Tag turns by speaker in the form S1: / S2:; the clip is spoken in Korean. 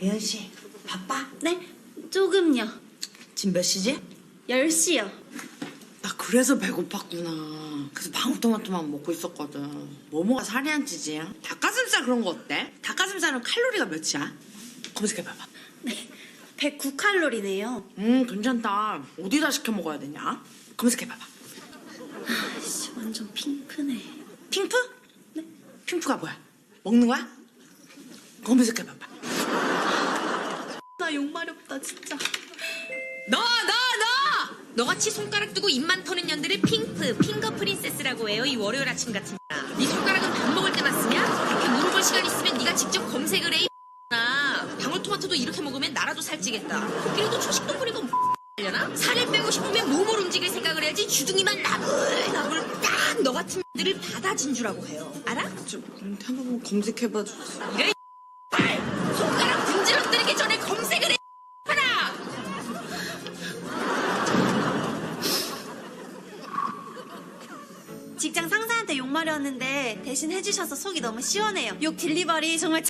S1: 예은 씨, 바빠?
S2: 네? 조금요.
S1: 지금 몇 시지?
S2: 10시요.
S1: 나 그래서 배고팠구나. 그래서 방울토마토만 먹고 있었거든. 뭐뭐가 살이 안 찌지? 닭가슴살 그런 거 어때? 닭가슴살은 칼로리가 몇이야? 검색해봐봐.
S2: 네. 109칼로리네요.
S1: 괜찮다. 어디다 시켜 먹어야 되냐? 검색해봐봐.
S2: 아씨, 완전 핑크네.
S1: 핑프? 네. 핑프가 뭐야? 먹는 거야? 검색해봐봐.
S2: 나 욕마렵다, 진짜.
S3: 너! 너같이 손가락 두고 입만 터는 년들을 핑거 프린세스라고 해요. 이 월요일 아침 같은 날. 네 손가락은 밥 먹을 때만 쓰냐? 이렇게 물어볼 시간 있으면 네가 직접 검색을 해. 방울토마토도 이렇게 먹으면 나라도 살찌겠다. 코끼리도 초식동물이고 하려나? 살을 빼고 싶으면 몸을 움직일 생각을 해야지. 주둥이만 나불나불 딱 너 같은 년들을 바다 진주라고 해요. 알아?
S1: 한 번만 검색해봐 주세요.
S3: 이래 손가락 분질러뜨리기 전에 검색을 해. 하나.
S2: 직장 상사한테 욕마려웠는데 대신 해주셔서 속이 너무 시원해요. 욕 딜리버리 정말